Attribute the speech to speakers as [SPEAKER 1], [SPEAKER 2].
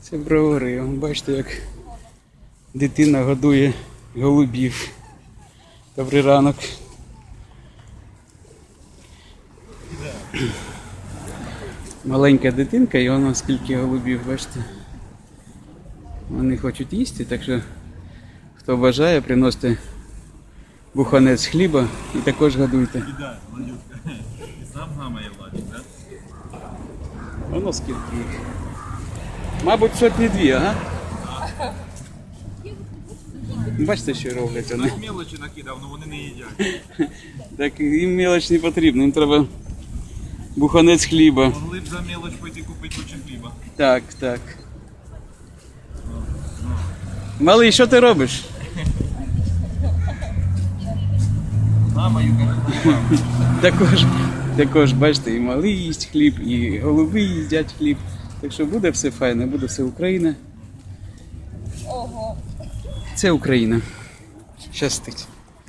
[SPEAKER 1] Це бровари. Бачите, як дитина годує голубів. Добрий ранок. Маленька дитинка і воно скільки голубів, бачите. Вони хочуть їсти, так що хто бажає, приносите буханець хліба і також годуйте.
[SPEAKER 2] Кидай, Владюшка. І сам гамає Владик, так?
[SPEAKER 1] Воно скільки їх. Мабуть, сотні дві, ага? Бачите, що роблять вони.
[SPEAKER 2] Так мелочі накидав, але вони не їдять.
[SPEAKER 1] Так їм мелоч не потрібно, їм треба буханець хліба.
[SPEAKER 2] Могли б за мелоч пойти купити кучу хліба.
[SPEAKER 1] Так, так. Малий, що ти робиш?
[SPEAKER 2] Гамаю,
[SPEAKER 1] Також, бачите, і малий їсть хліб, і голуби їдять хліб. Так що буде все файно, буде все Україна.
[SPEAKER 3] Ого.
[SPEAKER 1] Це Україна. Щастить.